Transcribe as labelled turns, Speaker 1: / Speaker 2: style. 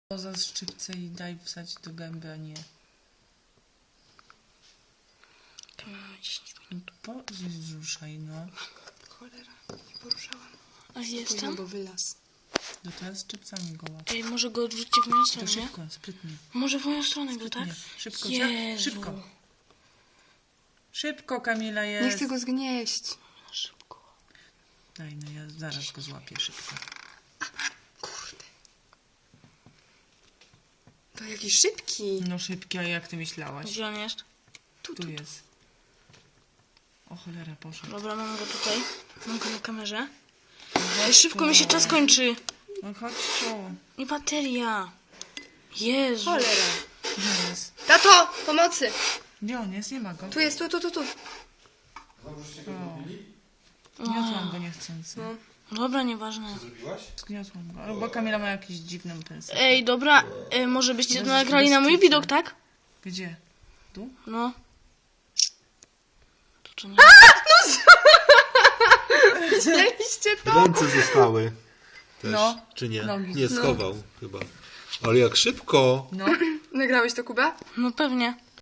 Speaker 1: Za szczypce i daj wsadzić do gęby, a nie. Zruszaj, no.
Speaker 2: Cholera, nie poruszałam.
Speaker 3: A jestem?
Speaker 2: Bo wylaz.
Speaker 1: No teraz szczypcami go łap.
Speaker 3: Ej, może go odrzućcie w moją
Speaker 1: To
Speaker 3: stronę, nie?
Speaker 1: szybko, sprytnie.
Speaker 3: Może w moją stronę go,
Speaker 1: Sprytnie.
Speaker 3: tak?
Speaker 1: Szybko,
Speaker 3: Jezu.
Speaker 1: szybko. Szybko, Kamila, jest.
Speaker 2: Nie chcę go zgnieść.
Speaker 3: Szybko.
Speaker 1: Daj, no ja zaraz go złapię szybko.
Speaker 2: Kurde. To jakiś szybki.
Speaker 1: No szybki, a jak ty myślałaś?
Speaker 3: Gdzie on jest?
Speaker 1: Tu jest. O cholera, poszedł.
Speaker 3: Dobra, mam go tutaj. Mam go na kamerze. Ej, szybko mi się czas kończy.
Speaker 1: No chodź tu.
Speaker 3: I bateria. Jezu.
Speaker 2: Cholera.
Speaker 1: Gdzie jest?
Speaker 2: Tato, pomocy.
Speaker 1: Gdzie on jest? Nie ma go.
Speaker 2: Tu jest, tu.
Speaker 1: Zgniotłam go niechcący.
Speaker 2: No.
Speaker 3: Dobra, nieważne.
Speaker 1: Zgniotłam go. Albo Kamila ma jakiś dziwny pensję.
Speaker 3: Ej, dobra. Może byście to
Speaker 1: Bez-
Speaker 3: nagrali
Speaker 1: bez
Speaker 3: na mój
Speaker 1: kitu.
Speaker 3: widok, tak?
Speaker 1: Gdzie? Tu?
Speaker 3: No. To czy nie?
Speaker 2: Widzieliście to?
Speaker 4: Ręce zostały też,
Speaker 1: No.
Speaker 4: czy nie?
Speaker 1: Nogi.
Speaker 4: Nie schował chyba. Ale jak szybko!
Speaker 1: No.
Speaker 2: Nagrałeś to, Kuba?
Speaker 3: No pewnie.